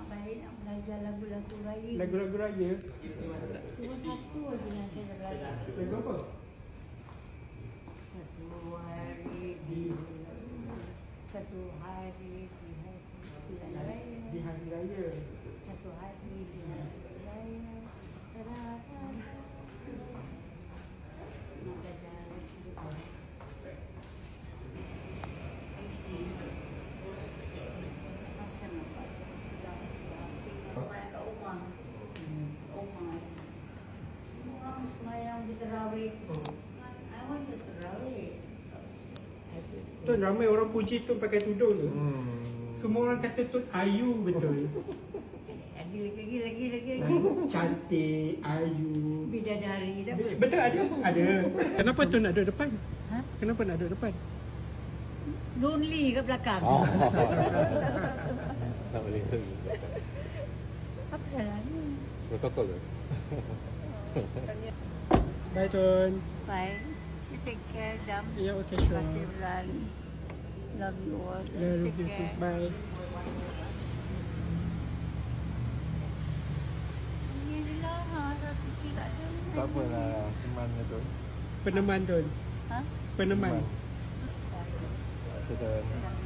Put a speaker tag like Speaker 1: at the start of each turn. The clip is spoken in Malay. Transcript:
Speaker 1: balik nak belajar lagu-lagu raya.
Speaker 2: Lagu-lagu raya.
Speaker 1: Cuma satu lagi yang saya belajar.
Speaker 2: Lagu apa?
Speaker 1: Satu hari di bulan raya.
Speaker 2: Di hari raya.
Speaker 1: Satu hari di hari raya. Semayang di terawih. I want to terawih.
Speaker 2: Tu ramai orang puji tu pakai tudung tu. Semua orang kata tu ayu betul.
Speaker 1: Lagi.
Speaker 2: Cantik, ayu.
Speaker 1: Bidadari tak?
Speaker 2: Betul ada. Ada. Kenapa tu nak duduk depan?
Speaker 1: Ha?
Speaker 2: Kenapa nak duduk depan?
Speaker 1: Lonely ke belakang?
Speaker 3: Tak boleh.
Speaker 1: Apa salahnya?
Speaker 3: Protokol ke?
Speaker 2: Bye Tun.
Speaker 1: Bye. You take care, Dam.
Speaker 2: Ya, okay,
Speaker 1: Terima
Speaker 2: sure.
Speaker 1: kasih, Bulan. Love you all.
Speaker 2: Love
Speaker 1: Take
Speaker 2: you.
Speaker 1: care.
Speaker 2: Bye.
Speaker 1: Ini je lah. Dah fikir tak ada.
Speaker 3: Tak apalah, teman tu.
Speaker 2: Peneman Tun.
Speaker 1: Ha?
Speaker 2: Peneman.
Speaker 3: Kita